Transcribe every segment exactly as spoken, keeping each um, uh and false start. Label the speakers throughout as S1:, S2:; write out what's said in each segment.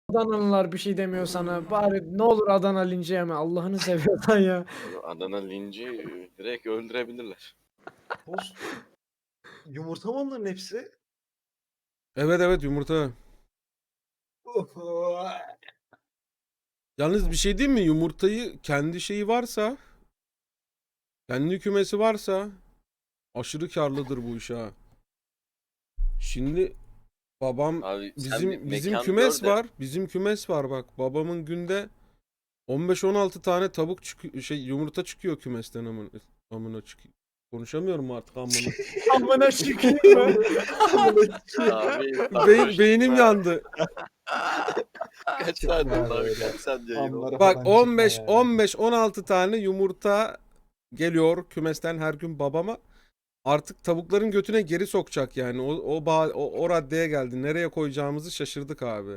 S1: Adanalılar bir şey demiyor sana. Bari ne olur Adana linci yeme. Allah'ını seviyorsan ya.
S2: Adana linci e, direkt öldürebilirler.
S3: Tost. Yumurta mı onların hepsi?
S4: Evet evet yumurta. Yalnız bir şey diyeyim mi? Yumurtayı kendi şeyi varsa, kendi kümesi varsa aşırı karlıdır bu iş ha. Şimdi babam
S2: Abi sen bir
S4: bizim bizim
S2: mekan
S4: kümes
S2: gör de
S4: var. Bizim kümes var bak. Babamın günde on beş on altı tane tavuk çıkıyor, şey yumurta çıkıyor kümesten amına amına çıkıyor. Konuşamıyorum artık amına.
S1: Amına şükür.
S2: abi
S4: Beyin, beynim yandı.
S2: kaç saat oldu abi
S3: böyle.
S2: kaç saat yayın oldu.
S3: Anlara
S4: Bak
S3: falan çıkma
S4: on beş
S3: yani.
S4: on beş on altı tane yumurta geliyor kümesten her gün babama. Artık tavukların götüne geri sokacak yani. O o, ba- o, o raddeye geldi. Nereye koyacağımızı şaşırdık abi.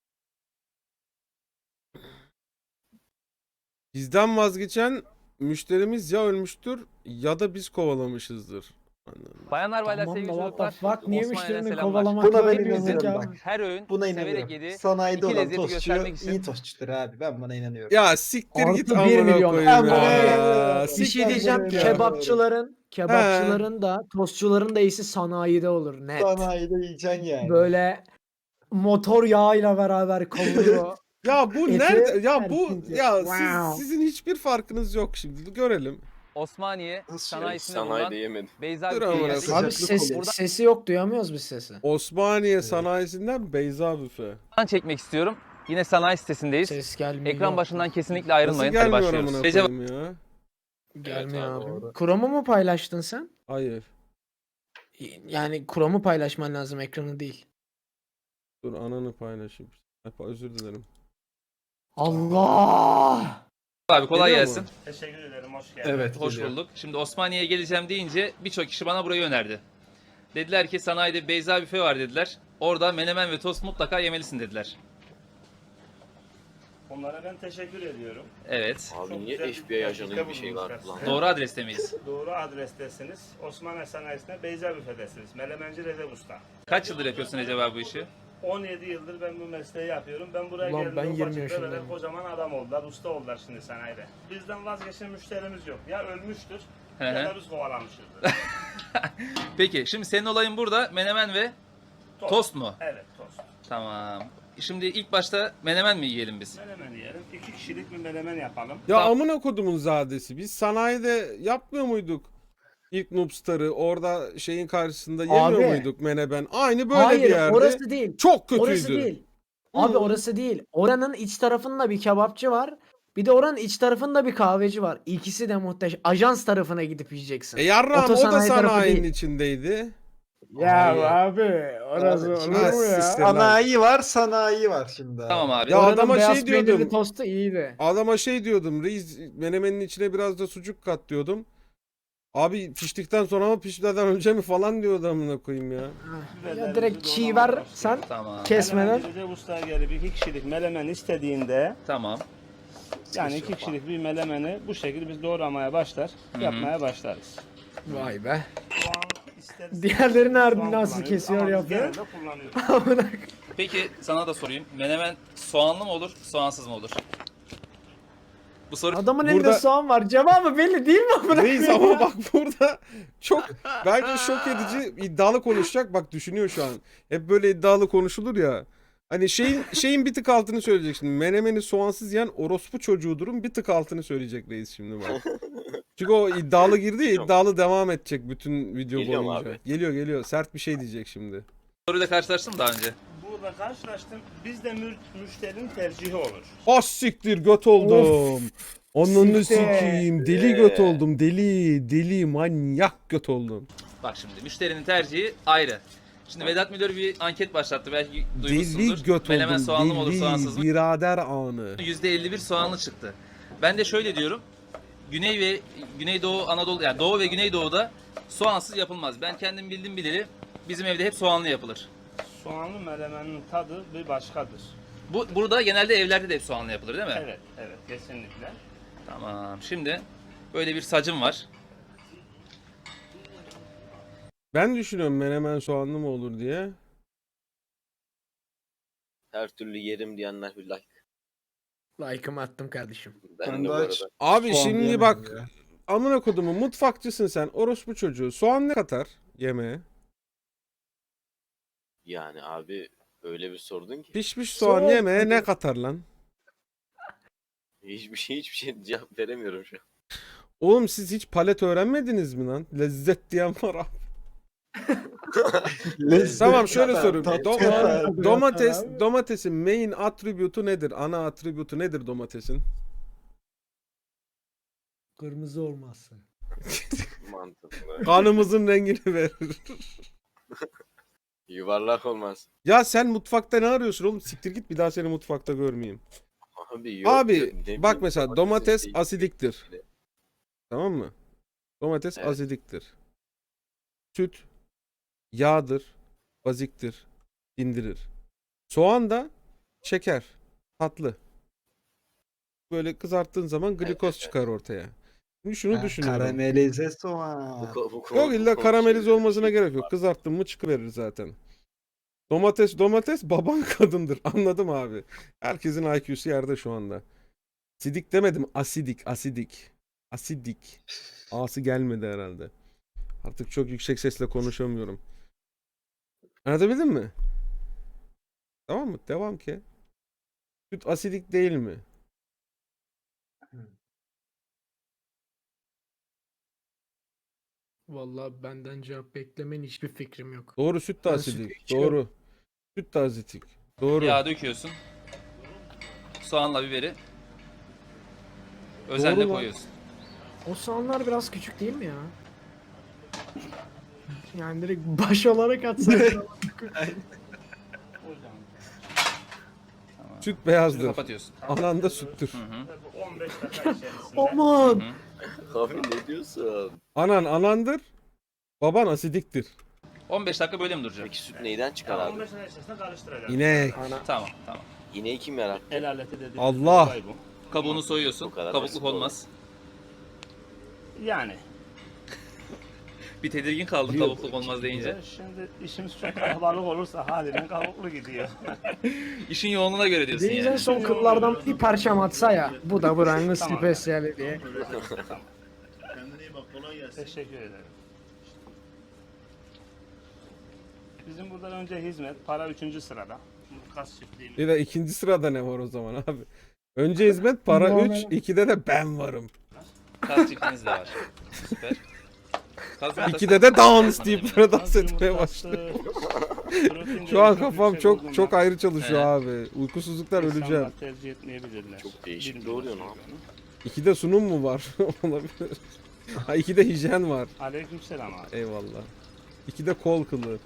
S4: Bizden vazgeçen müşterimiz ya ölmüştür ya da biz kovalamışızdır. Anladım.
S5: Bayanlar baylar
S1: Tamam da
S5: sevgili
S1: what the
S5: çocuklar.
S1: fuck? Niye
S5: Osmaniye'den
S1: müşterini
S5: selamlar.
S1: kovalamakla
S3: Buna ben
S1: övüyorsun
S3: inanıyorum
S1: ya?
S3: bak.
S5: Her öğün
S3: Buna
S5: severek
S3: inanıyorum.
S5: yedi.
S3: Sanayide
S5: iki
S3: olan
S5: lezzeti
S3: tostçu
S5: göstermek için.
S3: iyi tostçudur abi. Ben buna inanıyorum.
S4: Ya siktir git
S1: Artı bir
S4: amına
S1: milyon.
S4: koyayım
S1: Amına
S4: ya.
S1: koyayım. Bir
S4: Siktir
S1: şey
S4: git
S1: diyeceğim.
S4: ya.
S1: Kebapçıların, kebapçıların da, tostçuların da iyisi sanayide olur net.
S3: Sanayide yiyeceksin yani.
S1: Böyle motor yağıyla beraber kavurur.
S4: Ya bu
S1: Eti
S4: nerede? Ya bu
S1: erkince.
S4: ya
S1: Wow.
S4: siz, sizin hiçbir farkınız yok şimdi. Görelim.
S5: Osmaniye
S3: Nasıl
S5: sanayisinde
S2: Sanayide
S5: bulunan
S2: yemedim.
S5: Beyza
S4: Dur
S5: Büfe'ye
S4: amına
S5: geldik.
S4: koyayım.
S1: Abi
S3: Sıcaklık
S1: sesi,
S3: olur.
S1: sesi yok, duyamıyoruz biz sesi.
S4: Osmaniye sanayisinden Beyza Büfe.
S5: Buradan çekmek istiyorum. Yine sanayi sitesindeyiz.
S1: Ses gelmiyor.
S5: Ekran başından kesinlikle
S4: Nasıl
S5: ayrılmayın. Hadi
S4: gelmiyor
S5: başlıyoruz.
S4: amına
S5: Recep
S4: koyayım ya?
S1: Gelmiyor
S2: Evet abi,
S1: abi.
S3: doğru.
S1: Chrome'u mu paylaştın sen?
S4: Hayır.
S1: Yani Chrome'u paylaşman lazım, ekranı değil.
S4: Dur ananı paylaşayım. Hep özür dilerim.
S1: Allah!
S5: abi kolay
S4: Geliyor
S5: gelsin.
S4: mu?
S6: Teşekkür ederim, hoş geldin.
S3: Evet.
S5: Hoş
S3: geliyor.
S5: bulduk. Şimdi Osmaniye'ye geleceğim deyince birçok kişi bana burayı önerdi. Dediler ki sanayide Beyza Büfe var dediler. Orada menemen ve tost mutlaka yemelisin dediler.
S6: Onlara ben teşekkür ediyorum.
S5: Evet.
S2: Abi
S6: Çok
S2: niye
S6: güzel
S2: F
S6: bir
S2: B I ajanı
S6: teklifte
S2: gibi bir şey var
S6: bulunmuşlar
S2: lan?
S6: size.
S5: Doğru adreste miyiz?
S6: Doğru adrestesiniz. Osmaniye Sanayisi'nde Beyza Büfe'desiniz. Melemenci Recep Usta.
S5: Kaç yıldır yapıyorsun acaba bu işi?
S6: on yedi yıldır ben bu mesleği yapıyorum. Ben buraya
S1: Ulan
S6: geldim.
S1: ben yirmi
S6: ufacık
S1: yaşındayım.
S6: bebeler kocaman adam oldular, usta oldular şimdi sanayide. Bizden vazgeçen müşterimiz yok. Ya ölmüştür
S5: Hı
S6: ya
S5: hı.
S6: da biz kovalamışızdır.
S5: Peki şimdi senin olayın burada menemen ve tost mu?
S6: Evet, tost.
S5: Tamam. Şimdi ilk başta menemen mi yiyelim biz?
S6: Menemen yiyelim. İki kişilik bir menemen yapalım.
S4: Ya
S5: Tamam.
S4: amına kodumun zadesi. Biz sanayide yapmıyor muyduk? İlk Noobstar'ı orada şeyin karşısında yemiyor
S1: Abi.
S4: muyduk menemen? Aynı böyle
S1: Hayır,
S4: bir yerde.
S1: orası değil.
S4: Çok kötüydü.
S1: Orası değil. Abi
S4: Hı.
S1: orası değil. Oranın iç tarafında bir kebapçı var. Bir de oranın iç tarafında bir kahveci var. İkisi de muhteşem. Ajans tarafına gidip yiyeceksin.
S4: E yarrağım o da
S1: Otosanayi tarafı
S4: sanayinin
S1: değil.
S4: içindeydi.
S1: Ya
S3: Hayır.
S1: abi orası
S3: Abi,
S1: olur
S3: şimdi
S1: mu ya?
S4: siktir lan.
S3: Sanayi var, sanayi var şimdi. abi.
S5: Tamam abi.
S4: Ya
S1: Oranın
S4: adama
S1: beyaz
S4: şey
S1: peynirli
S4: diyordum.
S1: tostu iyiydi.
S4: Adama şey diyordum. Reis menemenin içine biraz da sucuk kat diyordum. Abi piştikten sonra mı pişmeden önce mi falan diyordu amına koyayım ya.
S1: Ya direkt çiğ ver sen
S5: Tamam.
S1: kesmeden.
S6: Melemenci Recep Usta'ya gelip iki kişilik melemen istediğinde
S5: Tamam.
S6: yani iki kişilik bir melemeni bu şekilde biz doğramaya başlar, yapmaya başlarız.
S1: Vay be.
S6: Soğan isteriz.
S1: Diğerleri nerede,
S6: Soğan
S1: nasıl
S6: kullanıyoruz
S1: kesiyor,
S6: ama biz
S1: yapıyor?
S6: genelde kullanıyoruz.
S5: Peki sana da sorayım. Menemen soğanlı mı olur, soğansız mı olur? Bu soru
S1: Adamın
S4: Burada-
S1: elinde soğan var. Cevabı belli değil mi amına
S4: Reis
S1: koyayım
S4: ama
S1: ya?
S4: bak burada çok bence şok edici iddialı konuşacak. Bak düşünüyor şu an. Hep böyle iddialı konuşulur ya. Hani şeyin şeyin bir tık altını söyleyecek şimdi. Menemeni soğansız yiyen orospu çocuğudurun bir tık altını söyleyecek reis şimdi bak. Çünkü o iddialı girdi ya, iddialı devam edecek bütün video
S2: Geliyor mu
S4: boyunca.
S2: abi?
S4: Geliyor geliyor. Sert bir şey diyecek şimdi.
S5: soruyla karşılaştım daha önce.
S6: Burada karşılaştım. Bizde mü müşterinin tercihi olur.
S4: Az siktir göt oldum. Onunu
S1: Siktir.
S4: sikeyim. Deli göt oldum. Deli, deli manyak göt oldum.
S5: Bak şimdi müşterinin tercihi ayrı. Şimdi Vedat Milor bir anket başlattı. Belki duymuşsundur.
S4: Deli göt
S5: Menemen
S4: oldum.
S5: soğanlı mı olur, soğansız
S4: Deli
S5: mı?
S4: birader anı.
S5: yüzde elli bir soğanlı çıktı. Ben de şöyle diyorum. Güney ve Güneydoğu Anadolu yani Doğu ve Güneydoğu'da soğansız yapılmaz. Ben kendim bildim bileli bizim evde hep soğanlı yapılır.
S6: Soğanlı melemenin tadı bir başkadır.
S5: Bu burada genelde evlerde de hep soğanlı yapılır değil mi?
S6: Evet, evet kesinlikle.
S5: Tamam. Şimdi böyle bir sacım var.
S4: Ben düşünüyorum menemen soğanlı mı olur diye.
S2: Her türlü yerim diyenler bir like.
S1: Like'ımı attım kardeşim.
S2: Ben,
S3: Ben
S2: de
S3: de
S2: bu
S3: aç.
S2: arada.
S4: Abi
S3: Soğan
S4: şimdi
S3: diyemedim
S4: bak
S3: ya.
S4: amına kodumu mutfakçısın sen orospu çocuğu. Soğan ne katar yemeğe?
S2: Yani abi öyle bir sordun ki.
S4: Pişmiş soğan
S1: Soğan
S4: yemeğe ne katar lan?
S2: Hiçbir şey hiçbir şey cevap veremiyorum şu an.
S4: Oğlum siz hiç palet öğrenmediniz mi lan? Lezzet diyen var abi.
S3: Lezzet
S4: Tamam şöyle
S3: kadar,
S4: sorayım.
S3: tat
S4: Do-
S3: kadar.
S4: domates domatesin main attribute'u nedir? Ana attribute'u nedir domatesin?
S1: Kırmızı olmazsa.
S2: Mantıklı.
S4: Kanımızın rengini verir.
S2: Yuvarlak olmaz.
S4: Ya sen mutfakta ne arıyorsun oğlum? Siktir git bir daha seni mutfakta görmeyeyim.
S2: Abi yok.
S4: Abi
S2: yok, ne
S4: bak
S2: bileyim,
S4: mesela
S2: domatesin
S4: domates
S2: şeyi-
S4: asidiktir. Tamam mı? Domates
S2: Evet.
S4: asidiktir. Süt yağdır, baziktir, dindirir. Soğan da şeker, tatlı. Böyle kızarttığın zaman glikoz
S2: evet.
S4: çıkar ortaya. Şimdi şunu
S3: Ha,
S4: düşünüyorum.
S3: Karamelize
S2: Bu
S3: soğan.
S2: ko- bu konu-
S4: Yok
S2: bu
S4: illa
S2: konu
S4: karamelize
S2: şey-
S4: olmasına gerek yok. Kızarttın mı çıkıverir zaten. Domates domates baban kadındır. Anladım abi. Herkesin I Q'su yerde şu anda. Sidik demedim. Asidik. Asidik. Asidik. A'sı gelmedi herhalde. Artık çok yüksek sesle konuşamıyorum. Anlatabildim mi? Tamam mı? Devam ki. Süt asidik değil mi?
S1: Vallahi benden cevap beklemen hiçbir fikrim yok.
S4: Doğru süt de
S1: Ben
S4: asidik.
S1: sütü içiyorum.
S4: Doğru. Süt de asidik. Doğru.
S5: Yağ döküyorsun. Soğanla biberi. Özenle
S4: Doğru lan.
S5: koyuyorsun.
S1: O soğanlar biraz küçük değil mi ya? Yani direkt baş olarak atsak.
S4: Süt
S5: Şimdi
S4: beyazdır.
S5: kapatıyorsun.
S4: Anan da süttür.
S5: Hı hı.
S6: on beş dakika içerisinde.
S1: Aman!
S2: Abi ne diyorsun?
S4: Anan anandır. Baban asidiktir.
S5: on beş dakika böyle mi duracak?
S2: Peki süt neyden çıkar
S6: on
S2: abi?
S6: beş dakika içerisinde karıştıracağım.
S4: İnek.
S5: Tamam tamam.
S2: İneği kim yarattı?
S6: El aleti dediğimiz
S4: Allah!
S6: olay bu.
S5: Kabuğunu soyuyorsun.
S2: Bu kadar
S5: Kabukluk
S2: basit
S5: olmaz.
S6: Yani.
S5: Bir tedirgin kaldım
S4: Yok.
S5: kabukluk olmaz deyince.
S6: Ya şimdi işimiz çok kalabalık olursa haliyle kabuklu gidiyor.
S5: İşin yoğunluğuna göre diyorsun
S1: Deniz'in
S5: yani.
S1: son kıllardan bir parçam atsa ya. Bu da buranın
S6: Tamam.
S1: spesiyali diye.
S6: Teşekkür ederim. Bizim buradan önce hizmet, para üçüncü sırada. Bu kas çiftliğimiz.
S4: Bir de ikinci sırada ne var o zaman abi? Önce hizmet para
S1: Normal.
S4: üç, ikide de ben varım.
S5: Kas çiftiniz de var. Süper. Kas yumurtası-
S4: ikide de dans deyip
S5: Hemen
S4: böyle
S6: Kas
S4: dans etmeye
S6: yumurtası,
S4: başladı.
S6: protein
S4: Şu an
S6: değeri
S4: kafam
S6: yüksek
S4: çok
S6: olduğundan
S4: çok ayrı çalışıyor
S5: He.
S4: abi. Uykusuzluktan
S6: insanlar
S4: öleceğim.
S6: tercih etmeyebilirler.
S2: Çok değişik
S6: Bilmiyorum
S2: doğruyor
S6: bunu.
S2: lan.
S4: İkide sunum mu var? Olabilir. Ha ikide hijyen var.
S6: Aleykümselam abi.
S4: Eyvallah. İkide kol kılı.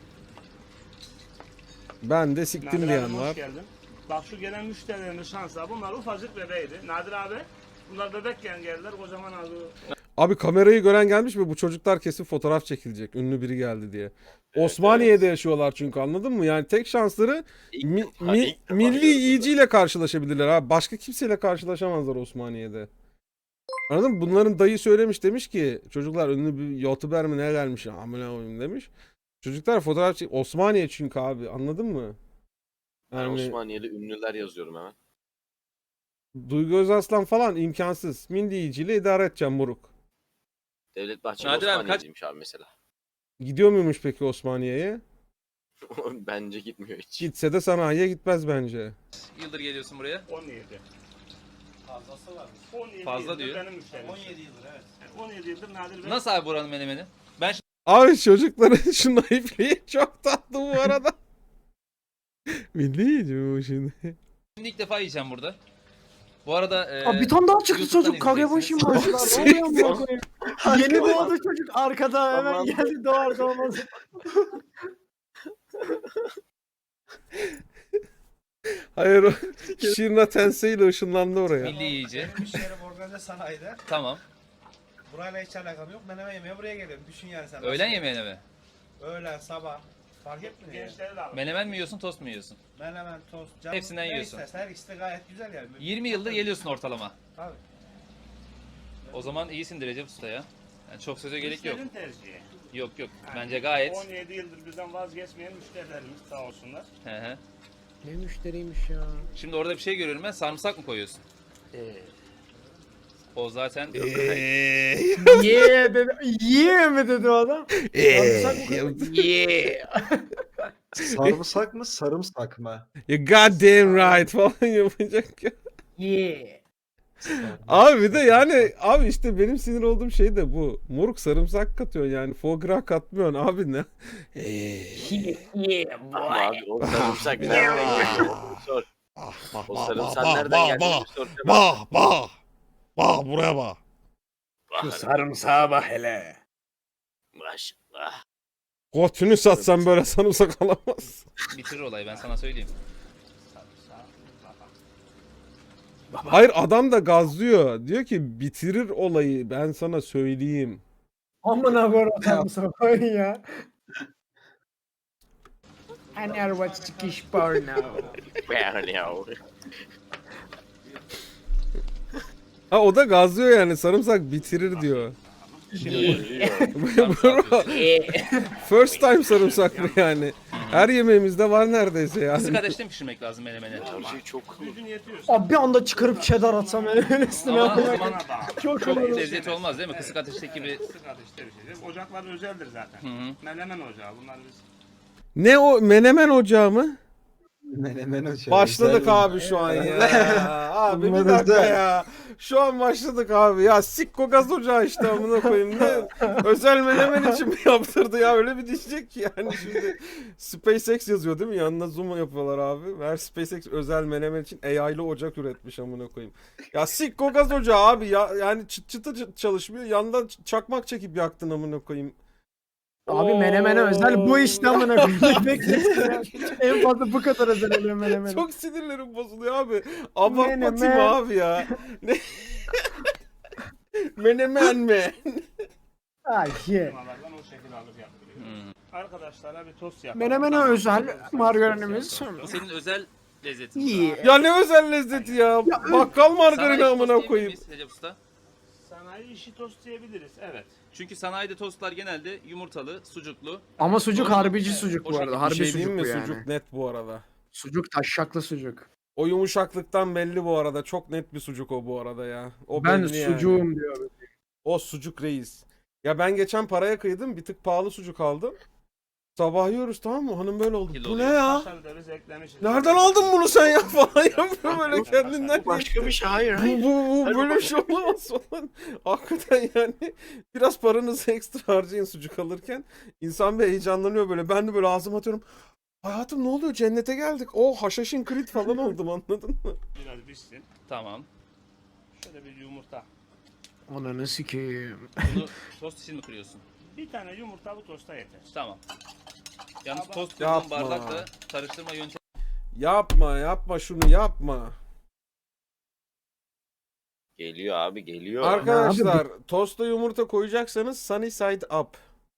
S4: Ben de siktim
S6: Nadir abim
S4: diyen
S6: hoş
S4: var.
S6: geldin. Bak şu gelen müşterilerin şansa bunlar ufacık bebeğiydi. Nadir abi bunlar bebekken geldiler kocaman abi.
S4: Abi kamerayı gören gelmiş mi? Bu çocuklar kesin fotoğraf çekilecek. Ünlü biri geldi diye. Osmaniye'de yaşıyorlar çünkü anladın mı? Yani tek şansları
S2: İlk
S4: mi-
S2: defa-
S4: mi-
S2: ilk defa
S4: milli
S2: gördüm.
S4: yiyiciyle karşılaşabilirler abi. Başka kimseyle karşılaşamazlar Osmaniye'de. Anladın mı? Bunların dayı söylemiş demiş ki çocuklar ünlü bir youtuber mi ne gelmiş amına koyayım demiş. Çocuklar fotoğraf çek Osmaniye çünkü abi anladın mı?
S2: Ben
S4: Yani
S2: Osmaniye'de ünlüler yazıyorum hemen.
S4: Duygu Özaslan falan imkansız. Milli yiyiciyle idare edeceğim moruk.
S2: Devlet Bahçeli
S5: Nadir abi kaç-
S2: Osmaniye'deymiş abi mesela.
S4: Gidiyor muymuş peki Osmaniye'ye?
S2: Bence gitmiyor hiç.
S4: Gitse de sanayiye gitmez bence.
S5: Yıldır geliyorsun buraya.
S6: on yedi.
S7: Fazlası var.
S6: on yedi
S5: Fazla
S6: yıldır
S5: diyor.
S6: benim müşterim.
S7: on yedi yıldır evet.
S6: on yedi yıldır Nadir Bey.
S5: Nasıl abi buranın menemeni? Ben
S4: Abi çocukların şu naifliği çok tatlı bu arada. Milli yiyici mi bu şimdi?
S5: şimdi ilk defa yiyeceğim burada. Bu arada e,
S1: Aa, bir tane daha çıktı
S5: YouTube'dan
S1: çocuk. Kagebashi mı
S5: izleyeceksiniz.
S1: başlar? Ne oluyor amına koyayım? Yeni doğdu çocuk arkada hemen
S2: Aman.
S1: geldi doğar doğmaz.
S4: Hayır o Şirna Tensei ile ışınlandı oraya.
S5: Milli yiyici.
S7: Benim iş yerim organize sanayide.
S5: Tamam.
S7: Burayla hiç alakam yok. Menemen yemeye buraya geliyorum. Düşün yani sen.
S5: Öğlen yemeğine mi?
S7: Öğlen, sabah. Fark etmiyor yani.
S6: Gençleri de alın.
S5: Menemen mi yiyorsun, tost mu yiyorsun?
S7: Menemen, tost, canım.
S5: Hepsinden
S7: ne
S5: yiyorsun.
S7: istersen her ikisi de gayet güzel yani.
S5: yirmi yıldır geliyorsun ortalama.
S7: Tabii.
S5: O zaman iyisin Recep Usta ya. Yani çok söze gerek yok.
S6: Müşterinin tercihi.
S5: Yok yok. Bence gayet.
S6: on yedi yıldır bizden vazgeçmeyen müşterilerimiz sağ olsunlar.
S5: Hı hı.
S1: Ne müşteriymiş ya.
S5: Şimdi orada bir şey görüyorum ben. Sarımsak mı koyuyorsun? O zaten
S1: Yeah dedi. Yeah mi dedi o adam? Sarımsak mı koyuyor? Yeah.
S3: Sarımsak mı sarımsak mı?
S4: You goddamn right falan yapacak ya.
S1: Yeah.
S4: Abi bir de yani abi işte benim sinir olduğum şey de bu. Moruk sarımsak katıyorsun yani. Foie gras katmıyorsun abi ne?
S1: Yeah
S2: Ama
S1: boy.
S2: abi o sarımsak nereden geliyor? Sor. O sarımsak nereden geldi? Bir sor.
S4: Bah bah. Bah buraya bah.
S1: Şu sarımsağa bak hele.
S2: Maşallah.
S4: Götünü satsan böyle sarımsak alamaz.
S5: bitirir olayı ben sana söyleyeyim.
S4: Hayır adam da gazlıyor. Diyor ki bitirir olayı ben sana söyleyeyim.
S1: Amına koyayım sarımsağı koyun ya. I never watched Turkish porno.
S2: Ben ya.
S4: Ha o da gazlıyor yani sarımsak bitirir diyor. Bro,
S1: Yeah.
S4: first time sarımsak mı yani? Her yemeğimizde var neredeyse
S5: Kısık
S4: yani.
S5: ateşte mi pişirmek lazım menemeni?
S2: Her şey çok
S6: Gücün yetiyorsa.
S1: Abi bir anda çıkarıp cheddar atsam öyle üstüne.
S5: Ama o
S1: Ama
S5: zaman
S6: Bana bağlı.
S1: çok
S5: çok
S1: olur.
S5: lezzeti olmaz değil mi? Kısık ateşteki gibi.
S6: Kısık ateşte bir şey değil. Ocaklar özeldir zaten.
S5: Hı hı.
S6: Menemen ocağı bunlar biz.
S4: Ne o menemen ocağı mı?
S3: Menemen ocağı.
S4: Başladık
S3: Güzel.
S4: abi şu an ya. Abi bir
S3: Bunlar
S4: dakika
S3: özel.
S4: ya. Şu an başladık abi. Ya sikko gaz ocağı işte amına koyayım. Ne? Özel menemen için mi yaptırdı ya? Öyle bir diyecek ki yani şimdi. SpaceX yazıyor değil mi? Yanına zoom yapıyorlar abi. Her SpaceX özel menemen için A I'lı ocak üretmiş amına koyayım. Ya sikko gaz ocağı abi ya. Yani çıt çıtı ç- çalışmıyor. Yandan ç- çakmak çekip yaktın amına koyayım.
S1: Abi menemene özel bu işte amına koyayım. Bekle. En fazla bu kadar özel oluyor menemene.
S4: Çok sinirlerim bozuluyor abi. Abartma
S1: Menemen.
S4: Timo abi ya. Ne? Menemen mi?
S1: Ay ye.
S6: Firmalardan o şekilde alıp yaptırıyor.
S5: Hı.
S6: Arkadaşlara bir tost yapalım.
S1: Menemene özel margarinimiz.
S5: Bu senin özel lezzetin.
S1: Yeah.
S4: Ya ne özel lezzeti ya. Bakkal margarini
S5: Sanayi tost
S4: amına
S5: diyebilir
S4: koyayım.
S5: miyiz Recep Usta?
S6: Sanayi işi tost diyebiliriz. Evet.
S5: Çünkü sanayide tostlar genelde yumurtalı, sucuklu.
S1: Ama sucuk harbici sucuk bu arada.
S4: Bir
S1: Harbi
S4: şey
S1: sucuk
S4: diyeyim mi?
S1: bu yani.
S4: Sucuk net bu arada.
S1: Sucuk taşşaklı sucuk.
S4: O yumuşaklıktan belli bu arada. Çok net bir sucuk o bu arada ya. O
S1: Ben
S4: belli yani.
S1: sucuğum diyor.
S4: O sucuk reis. Ya ben geçen paraya kıydım. Bir tık pahalı sucuk aldım. Sabah yiyoruz tamam mı? Hanım böyle oldu.
S5: Kilo
S4: Bu ne
S5: oluyor.
S4: ya?
S6: Kaşar biberiz eklemişiz.
S4: Nereden aldın bunu sen ya falan yapıyor böyle kendinden.
S2: Başka bir şey hayır
S4: Bu,
S2: hayır.
S4: bu, bu
S2: Hayır,
S4: böyle
S2: baba.
S4: bir şey olamaz falan. Hakikaten yani biraz paranızı ekstra harcayın sucuk alırken. İnsan bir heyecanlanıyor böyle. Ben de böyle ağzıma atıyorum. Hayatım ne oluyor? Cennete geldik. O haşhaşin krit falan oldum anladın mı?
S6: Biraz pişsin.
S5: Tamam.
S6: Şöyle bir yumurta.
S1: Ananı sikeyim.
S5: Bunu tost için mi kırıyorsun?
S6: Bir tane yumurta bu tosta yeter.
S5: Tamam. Yalnız
S6: Ama-
S5: tost
S4: Yapma.
S5: kırdığın bardakla karıştırma yöntemi.
S4: Yapma yapma şunu yapma.
S2: Geliyor abi geliyor.
S4: Arkadaşlar tosta yumurta koyacaksanız sunny side up.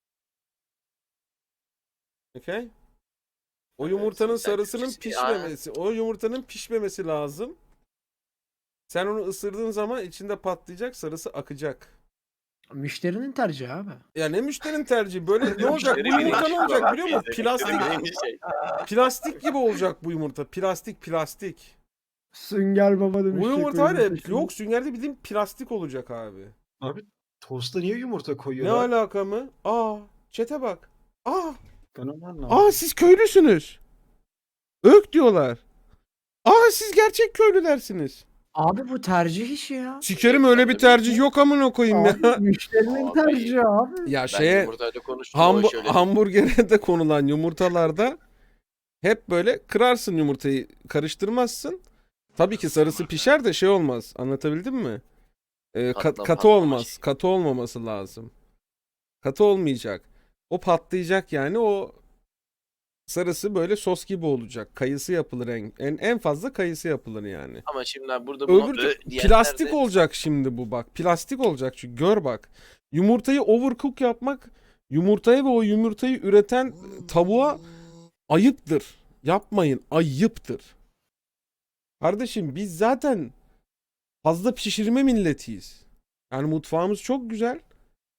S4: Okay? O
S2: Evet,
S4: yumurtanın
S2: sunny side
S4: sarısının
S2: up.
S4: pişmemesi, o yumurtanın pişmemesi lazım. Sen onu ısırdığın zaman içinde patlayacak, sarısı akacak.
S1: Müşterinin tercihi abi.
S4: Ya ne müşterinin tercihi? Böyle ne olacak? Bu
S2: Müşteri
S4: yumurta ne
S2: bilinci
S4: olacak
S2: var
S4: biliyor
S2: abi,
S4: musun?
S2: müşteri
S4: Plastik,
S2: bilinci şey.
S4: plastik gibi olacak bu yumurta. Plastik, plastik.
S1: Sünger baba demiş.
S4: Bu yumurta var ya, yok süngerde bildiğin plastik olacak abi.
S3: Abi tosta niye yumurta
S4: Ne
S3: koyuyorlar?
S4: alaka mı? Aa, çete bak. Aa,
S3: Ben onu anlamadım.
S4: aa siz köylüsünüz. Ök diyorlar. Aa siz gerçek köylülersiniz.
S1: Abi bu tercih işi ya.
S4: Sikerim öyle bir tercih yok amına koyayım ya.
S1: Abi, müşterinin
S2: Abi.
S1: tercihi abi.
S4: Ya
S2: Ben
S4: şeye
S2: yumurtayla konuştum.
S4: hambu-
S2: o şöyle.
S4: hamburgere de konulan yumurtalarda hep böyle kırarsın yumurtayı, karıştırmazsın. Tabii ki sarısı pişer de şey olmaz. Anlatabildim mi? Ee, ka-
S2: Patla-
S4: katı
S2: patlama
S4: olmaz.
S2: şey.
S4: Katı olmaması lazım. Katı olmayacak. O patlayacak yani o sarısı böyle sos gibi olacak. Kayısı yapılır en en, en fazla kayısı yapılır yani.
S2: Ama şimdi burada bunu
S4: Öbür
S2: ö
S4: tü-
S2: diyenler
S4: plastik
S2: de-
S4: olacak şimdi bu bak. Plastik olacak çünkü gör bak. Yumurtayı overcook yapmak yumurtaya ve o yumurtayı üreten tavuğa ayıptır. Yapmayın, ayıptır. Kardeşim biz zaten fazla pişirme milletiyiz. Yani mutfağımız çok güzel.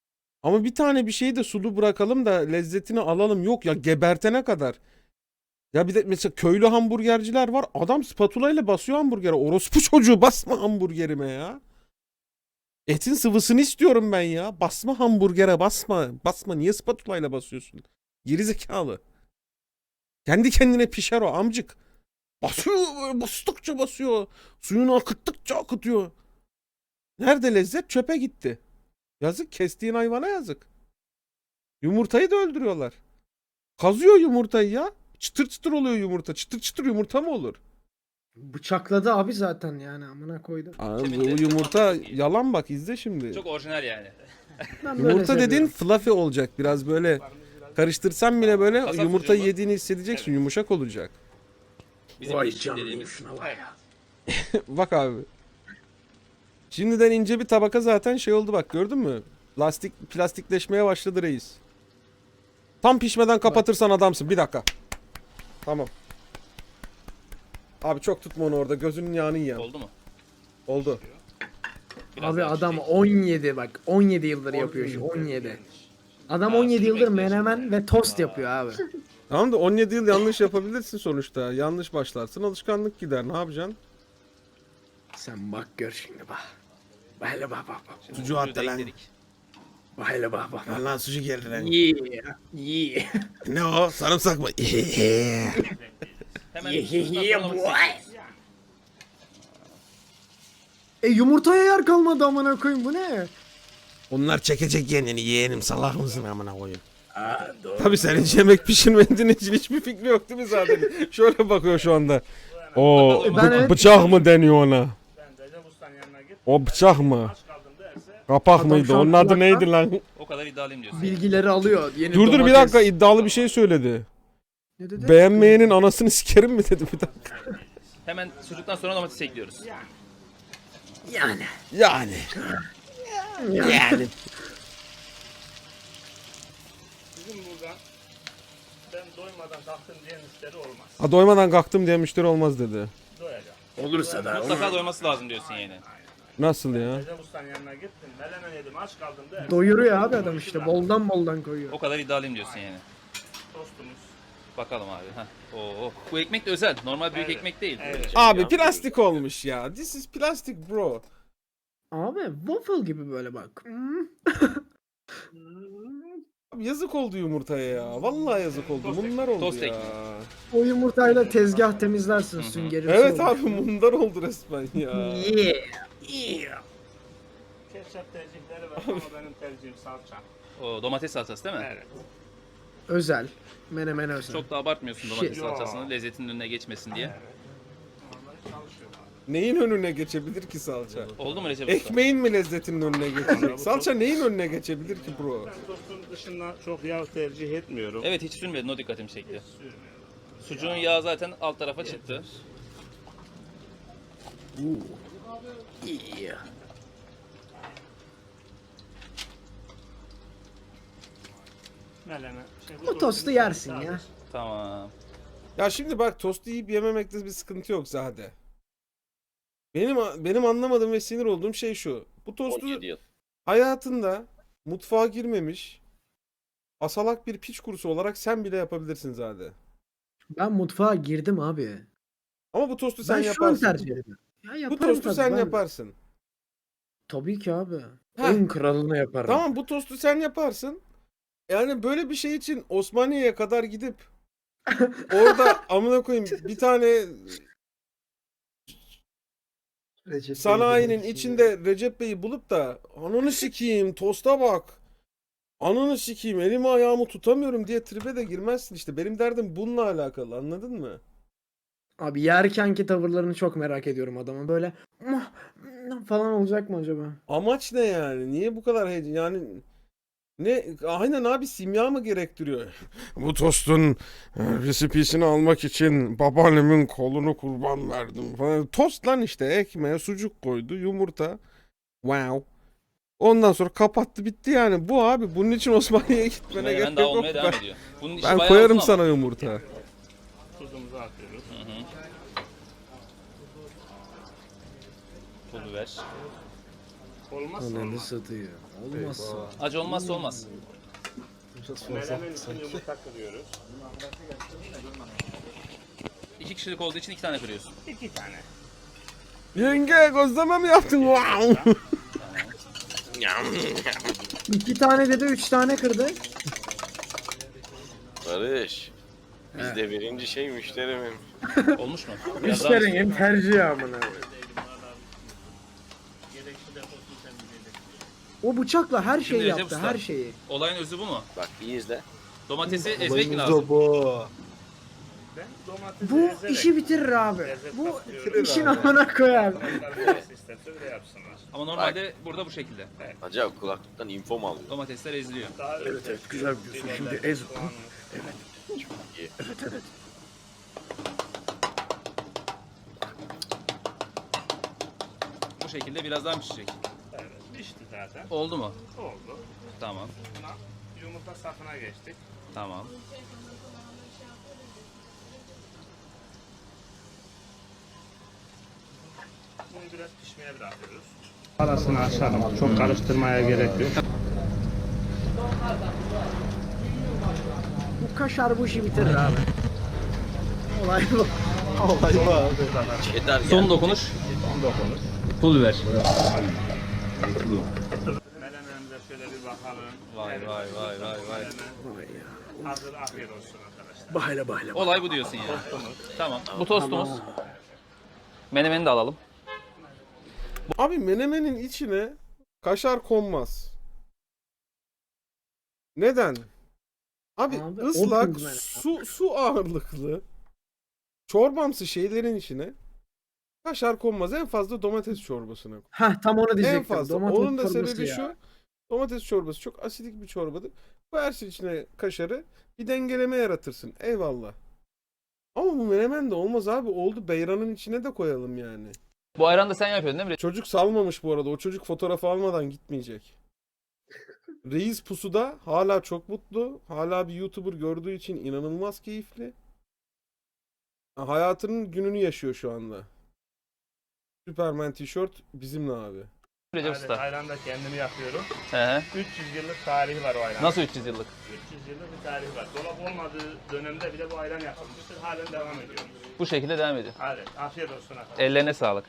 S4: Ama bir tane bir şeyi de sulu bırakalım da lezzetini alalım. Yok ya gebertene kadar. Ya bir de mesela köylü hamburgerciler var. Adam spatula ile basıyor hamburgere. Orospu çocuğu basma hamburgerime ya. Etin sıvısını istiyorum ben ya. Basma hamburgere basma. Basma. Niye spatula ile basıyorsun? Geri zekalı. Kendi kendine pişer o amcık. Basıyor böyle bastıkça basıyor. Suyunu akıttıkça akıtıyor. Nerede lezzet? Çöpe gitti. Yazık, kestiğin hayvana yazık. Yumurtayı da öldürüyorlar. Kazıyor yumurtayı ya. Çıtır çıtır oluyor yumurta. Çıtır çıtır yumurta mı olur?
S1: Bıçakladı abi zaten yani amına koydum.
S4: Abi
S5: Kemikleri
S4: bu yumurta
S5: çok-
S4: yalan bak, izle şimdi.
S5: Çok orijinal yani.
S1: Ben böyle
S4: Yumurta dediğin
S1: seviyorum.
S4: fluffy olacak. Biraz böyle karıştırsan bile böyle
S5: Kasap
S4: yumurtayı
S5: sucuğu mu?
S4: yediğini hissedeceksin. Yumuşak olacak.
S5: Bizim
S1: Vay
S5: pişkin
S1: canına
S5: dediğimiz.
S1: şuna bak
S5: Evet.
S4: Bak abi. Şimdiden ince bir tabaka zaten şey oldu bak, gördün mü? Lastik plastikleşmeye başladı reis. Tam pişmeden kapatırsan adamsın. Bir dakika. Tamam. Abi çok tutma onu orada. Gözünün yağını yiyen.
S5: Oldu mu?
S4: Oldu.
S5: Biraz
S1: Abi
S5: daha
S1: adam
S5: pişecek.
S1: on yedi bak on yedi yıldır yapıyor şu on yedi. Adam
S5: Ha,
S1: on yedi
S5: sürmek
S1: yıldır
S5: diyorsun
S1: menemen
S5: yani.
S1: ve tost yapıyor abi.
S4: Tamam da on yedi yıl yanlış yapabilirsin sonuçta. Yanlış başlarsın, alışkanlık gider. Ne yapacaksın?
S1: Sen bak gör şimdi bak. Bak hele bak bak bak.
S5: Şimdi
S4: Sucuğu
S5: sucuğu
S4: at da
S5: da
S4: lan.
S5: ekledik.
S1: Bak hele bak bak. bak.
S4: Lan sucuk geldi lan.
S1: Yeah. Yeah.
S4: Ne o? Sarımsak mı?
S5: Hemen
S1: Yeah,
S5: sucuktan
S1: yeah,
S5: sonra
S1: boy.
S5: domates
S1: E yumurtaya yer kalmadı amına koyayım bu ne?
S4: Onlar çekecek kendini, yeğenim, salak mısın amına koyayım. Tabii senin hiç yemek pişirmediğin için hiçbir fikri yok değil mi zaten? Şöyle bakıyor şu anda. O
S1: Ben
S4: bı-
S1: evet-
S4: bıçak mı deniyor ona?
S6: Ben Recep Usta'nın yanına git.
S4: O bıçak mı?
S6: Aç kaldım derse
S4: Kapak
S1: Adam
S4: mıydı?
S1: şu an
S4: Onun adı
S1: kulaktan-
S4: neydi lan?
S5: O kadar iddialıyım diyorsun.
S1: Bilgileri alıyor. Yeni
S4: Dur dur bir
S1: domates.
S4: dakika, iddialı bir şey söyledi.
S1: Ne dedi?
S4: Beğenmeyenin anasını sikerim mi dedi bir dakika.
S5: Hemen sucuktan sonra domates ekliyoruz.
S1: Yani.
S4: Yani. Yani.
S6: bizim burada ben doymadan kalktım diye müşteri olmaz.
S4: Ha, doymadan kalktım diye müşteri olmaz dedi.
S6: Doyacağım.
S1: Olursa da.
S5: Mutlaka doyması lazım diyorsun yani.
S4: Nasıl ya?
S6: Recep Usta'nın yanına gittim. Melemen yedim aç kaldım derse.
S1: Doyuruyor abi adam işte. Boldan boldan koyuyor.
S5: O kadar iddialıyım diyorsun yani.
S6: Tostumuz.
S5: Bakalım abi. Heh. Oo. Bu ekmek de özel. Normal büyük
S6: Evet.
S5: ekmek değil.
S6: Evet.
S5: Böyle şey
S4: Abi
S5: yapıyoruz.
S4: plastik olmuş ya. This is plastic bro.
S1: Abi waffle gibi böyle bak. Hmm.
S4: Abi yazık oldu yumurtaya ya. Vallahi yazık oldu.
S5: Tost
S4: Bunlar
S5: ekmek,
S4: oldu
S5: tost
S4: ya.
S5: ekmek.
S1: O yumurtayla tezgah temizlersin
S5: hı.
S1: süngerimsi
S4: Evet
S1: olur.
S4: abi bunlar oldu resmen ya.
S1: Yeah. Yeah.
S6: Ketçap tercihleri var ama benim tercihim salça.
S5: O domates salçası değil mi?
S6: Evet.
S1: Özel. Menemen özel.
S5: Çok da abartmıyorsun domates
S1: Shit.
S5: salçasını lezzetinin önüne geçmesin diye.
S6: Normalde çalışıyor abi.
S4: Neyin önüne geçebilir ki salça?
S5: Oldu mu Recep Usta?
S4: Ekmeğin mi lezzetinin önüne geçecek? Salça neyin önüne geçebilir ki bro?
S6: Ben tostun dışında çok yağ tercih etmiyorum.
S5: Evet hiç sürmedin, o dikkatimi çekti.
S6: Sürmüyorum.
S5: Sucuğun yağı zaten alt tarafa çıktı.
S1: Yeah.
S6: Melemen. Şey,
S1: O tostu yersin ya.
S5: Tamam.
S4: Ya şimdi bak, tostu yiyip yememekte bir sıkıntı yok Zade. Benim benim anlamadığım ve sinir olduğum şey şu. Bu tostu
S2: on yedi yıl.
S4: hayatında mutfağa girmemiş asalak bir piç kurusu olarak sen bile yapabilirsin Zade.
S1: Ben mutfağa girdim abi.
S4: Ama bu tostu sen
S1: Ben şu an
S4: yaparsın.
S1: tercih ediyorum. Ya
S4: Bu
S1: yaparım
S4: tostu
S1: tabii,
S4: sen
S1: ben-
S4: yaparsın.
S1: Tabii ki abi.
S4: Heh.
S1: En kralını yaparım.
S4: Tamam, bu tostu sen yaparsın. Yani böyle bir şey için Osmaniye'ye kadar gidip orada amına koyayım bir tane
S3: Recep
S4: sanayinin
S3: Bey'in
S4: içinde Recep Bey'i bulup da ananı sikeyim tosta bak. Ananı sikeyim elimi ayağımı tutamıyorum diye tribe de girmezsin işte. Benim derdim bununla alakalı, anladın mı?
S1: Abi yerkenki tavırlarını çok merak ediyorum adamın. Böyle "Mah, mah" falan olacak mı acaba?
S4: Amaç ne yani? Niye bu kadar heyecan? Yani ne? Aynen abi, simya mı gerektiriyor? Bu tostun e, resipesini almak için babaannemin kolunu kurban verdim falan. Tost lan işte, ekmeğe sucuk koydu, yumurta. Wow. Ondan sonra kapattı, bitti yani. Bu abi, bunun için Osmaniye'ye gitmene
S5: Hemen
S4: gerek
S5: daha
S4: yok.
S5: olmaya devam
S4: Ben,
S5: ediyor. Bunun işi
S4: ben
S5: bayağı
S4: koyarım
S5: uzun ama.
S4: sana yumurta.
S6: Tuzumuzu atıyoruz.
S5: Hı hı. Pul biber.
S6: Olmazsa
S1: Ananı
S6: olmaz.
S1: satıyor. Olmazsa.
S5: Acı olmazsa olmaz.
S3: Biraz fazla
S6: Melemen için
S3: sanki.
S6: yumurta kırıyoruz.
S5: iki kişilik olduğu için iki tane kırıyorsun.
S6: İki tane.
S4: Yenge gözleme mi yaptın? Wow.
S1: İki tane dedi, üç tane kırdı.
S2: Barış. Bizde birinci şey müşterimin.
S5: Olmuş mu? Biraz daha mı?
S1: Müşterinin tercihi amına. O bıçakla her şeyi
S5: Şimdi Recep
S1: yaptı,
S5: Usta.
S1: her şeyi.
S5: Olayın özü bu mu?
S2: Bak iyi izle.
S5: Domatesi ezmek mi
S3: Olayımız
S5: lazım?
S3: da bu.
S6: Ben domatesi
S1: Bu
S6: ezerek
S1: işi bitirir abi.
S6: lezzet
S1: Bu
S6: katıyorum.
S1: işin amına koyar.
S6: Onlar nasıl isterse öyle yapsınlar.
S5: Ama normalde burada bu şekilde.
S2: Acaba kulaklıktan info mu alıyor?
S5: Domatesler eziliyor.
S6: Daha evet, evet, güzel biliyorsun. Şimdi ez.
S2: İyi.
S5: Bu şekilde biraz daha mı pişecek?
S6: Evet, pişti zaten.
S5: Oldu mu?
S6: Oldu.
S5: Tamam.
S6: Buna yumurta safına geçtik.
S5: Tamam.
S6: Bunu biraz pişmeye bırakıyoruz. Arasını açalım. Çok karıştırmaya gerek yok.
S1: Bu kaşar bu işi bitirir abi. Olay bu.
S3: Olay bu abi.
S2: Cheddar geldi.
S5: Son dokunuş. Pul biber.
S6: Menemenimize şöyle bir bakalım.
S5: Vay
S6: Evet,
S5: vay vay vay vay.
S6: menemen hazır, afiyet olsun arkadaşlar.
S1: Bahane bahane.
S5: Olay bu diyorsun yani. Tamam. Bu tostumuz. Menemeni de alalım.
S4: Abi menemenin içine kaşar konmaz. Neden? Abi,
S1: Abi,
S4: ıslak
S1: olsun menemen.
S4: su su ağırlıklı çorbamsı şeylerin içine kaşar konmaz. En fazla domates çorbasına koy.
S1: Heh, tam onu diyecektim.
S4: En fazla.
S1: Domates
S4: Onun da
S1: çorbası
S4: sebebi
S1: ya.
S4: şu. Domates çorbası çok asidik bir çorbadır. Koyarsın içine kaşarı, bir dengeleme yaratırsın. Eyvallah. Ama bu menemen de olmaz abi. Oldu, beyranın içine de koyalım yani.
S5: Bu ayranı da sen yapıyordun değil mi?
S4: Çocuk salmamış bu arada. O çocuk fotoğrafı almadan gitmeyecek. Reis pusuda hala çok mutlu. Hala bir YouTuber gördüğü için inanılmaz keyifli. Hayatının gününü yaşıyor şu anda. Superman tişört bizimle abi.
S5: Recep
S6: Evet,
S5: Usta.
S6: ayran da kendim yapıyorum.
S5: Hı hı.
S6: üç yüz yıllık tarihi var o ayranın.
S5: Nasıl üç yüz yıllık?
S6: üç yüz yıllık bir tarihi var. Dolap olmadığı dönemde bile bu ayran yapılmıştır. Halen devam ediyor.
S5: Bu şekilde devam ediyor.
S6: Hadi afiyet olsun arkadaşlar.
S5: Ellerine sağlık.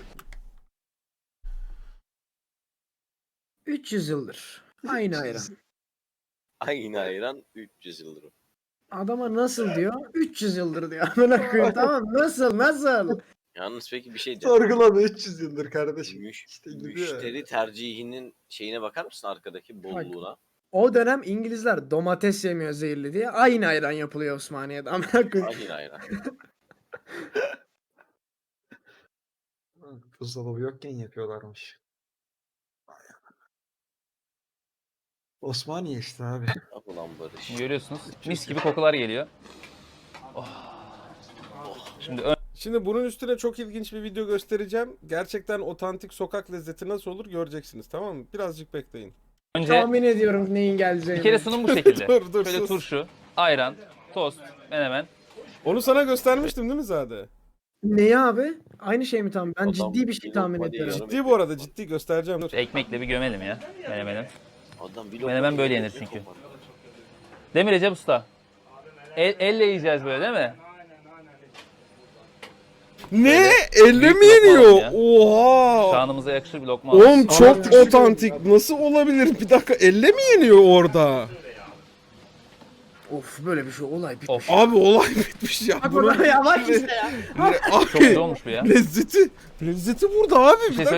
S1: üç yüz yıldır. Aynı ayran.
S2: Aynı ayran üç yüz yıldır. o.
S1: Adama nasıl diyor? üç yüz yıldır diyor. Amına koyayım, tamam, nasıl nasıl?
S2: Yalnız peki bir şey diyeceğim.
S3: Sorgulama üç yüz yıldır kardeşim.
S2: Müş,
S3: İşte gidiyor.
S2: müşteri tercihinin şeyine bakar mısın arkadaki bolluğuna?
S1: O dönem İngilizler domates yemiyor zehirli diye aynı ayran yapılıyor Osmaniye'de. Amına koyayım.
S2: Aynı ayran.
S3: Buzdolabı yokken yapıyorlarmış. Osmaniye işte abi.
S2: Yap ulan Barış.
S5: Görüyorsunuz. Mis gibi kokular geliyor. Oh. Şimdi ön-
S4: Şimdi bunun üstüne çok ilginç bir video göstereceğim. Gerçekten otantik sokak lezzeti nasıl olur göreceksiniz, tamam mı? Birazcık bekleyin.
S5: önce
S1: Tahmin ediyorum neyin geleceğini.
S5: bir kere sunum bu şekilde.
S4: Dur, dur,
S5: Şöyle
S4: sus.
S5: turşu, ayran, tost, menemen.
S4: Onu sana göstermiştim değil mi Zade?
S1: Neyi abi? Aynı şey mi tam? Ben
S2: Adam
S1: ciddi bir şey
S2: bir
S1: tahmin
S2: lokma
S1: ediyorum.
S2: diyor.
S4: Ciddi bu arada, ciddi göstereceğim. Dur.
S5: Ekmekle bir gömelim ya menemeni.
S2: Adam bir
S5: Menemen
S2: lokma
S5: böyle
S2: yedi,
S5: yenir
S2: bir
S5: çünkü.
S2: kopar.
S5: Değil mi Recep Usta? El, elle yiyeceğiz böyle değil mi?
S4: Ne? Elle
S5: Büyük
S4: mi
S5: lokma
S4: yeniyor?
S5: alın ya.
S4: Oha!
S5: Şanımıza yakışır bir lokma.
S4: Oğlum
S5: alalım.
S4: çok otantik. Nasıl olabilir? Bir dakika, elle mi yeniyor orada?
S1: Of, böyle bir şey olay bitmiş.
S5: Of.
S4: Abi olay bitmiş ya.
S1: Bak
S4: Bunun-
S1: burada yavaş işte ya.
S4: Le-
S5: Çok güzel
S4: Abi
S5: olmuş bu ya.
S4: lezzeti, lezzeti burada abi.
S5: Bir
S4: Bir
S5: şey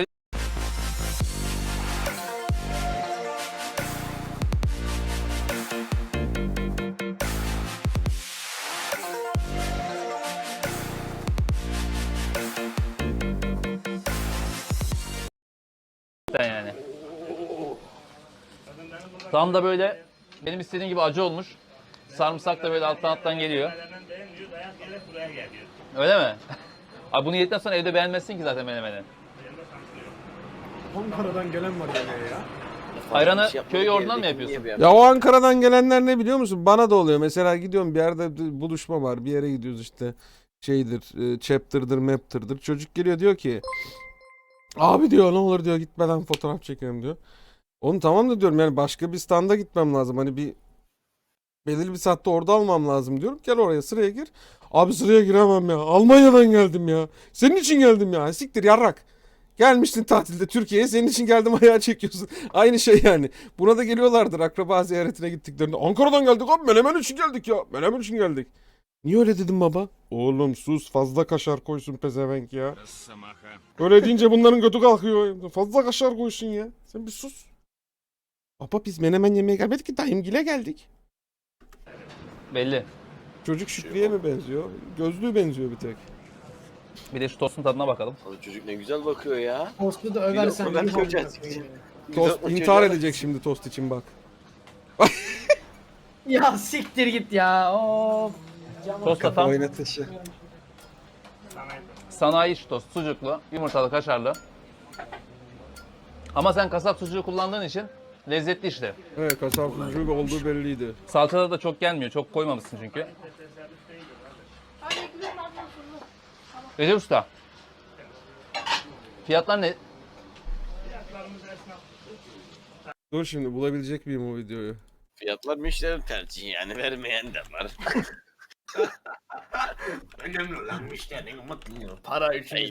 S4: dakika.
S5: söyle. Yani. Tam da böyle benim istediğim gibi acı olmuş. Sarımsak da böyle alttan alttan geliyor.
S6: Menemen beğenmiyor, dayak yere buraya geliyor.
S5: Öyle mi? Abi bunu yedikten sonra evde beğenmezsin ki zaten menemeni.
S1: Ankara'dan gelen var böyle ya.
S5: Ayranı
S2: Bir şey yapmadık,
S5: köy yoğurdundan mı
S2: evdeki
S5: yapıyorsun?
S2: niye
S4: Ya o Ankara'dan gelenler ne biliyor musun? Bana da oluyor. Mesela gidiyorum bir yerde buluşma var. Bir yere gidiyoruz işte. Şeydir, e, chapter'dır, map'tırdır. Çocuk geliyor diyor ki abi diyor ne olur diyor gitmeden fotoğraf çekelim diyor. Onu tamam da diyorum yani başka bir standa gitmem lazım. Hani bir Belirli bir saatte orada almam lazım diyorum. Gel oraya sıraya gir. Abi sıraya giremem ya. Almanya'dan geldim ya. Senin için geldim ya. Siktir yarrak. Gelmiştin tatilde Türkiye'ye. Senin için geldim ayağa çekiyorsun. Aynı şey yani. Buna da geliyorlardır akraba ziyaretine gittiklerinde. Ankara'dan geldik abi. Menemen için geldik ya. Menemen için geldik. Niye öyle dedim baba? Oğlum sus fazla kaşar koysun pezevenk ya. Öyle deyince bunların götü kalkıyor. Fazla kaşar koysun ya. Sen bir sus. Baba biz menemen yemeye gelmedik ki dayımgile geldik.
S5: Belli.
S4: Çocuk Şükrü'ye mi benziyor? Gözlüğü benziyor bir tek.
S5: Bir de şu tostun tadına bakalım.
S2: Abi çocuk ne güzel bakıyor ya.
S1: Tostu da
S2: Bir
S1: översen.
S2: lokma ben
S1: yuh
S2: koyacağım.
S1: amına koyayım.
S4: Tost
S2: Güzel
S4: intihar
S2: bakıyor.
S4: edecek şimdi tost için bak.
S1: Ya siktir git ya. Of.
S5: Tost da tam
S3: Oynatışı.
S5: sanayi iş tost. Sucuklu, yumurtalı, kaşarlı. Ama sen kasap sucuğu kullandığın için lezzetli işte.
S4: Evet kasap sucuğu olduğu belliydi.
S5: Salçada da çok gelmiyor. Çok koymamışsın çünkü. Recep Usta. Fiyatlar ne?
S4: Dur şimdi bulabilecek miyim o videoyu?
S2: Fiyatlar müşteri tercihi yani vermeyen de var. Önemli olan müşterinin mutluluğu. Para için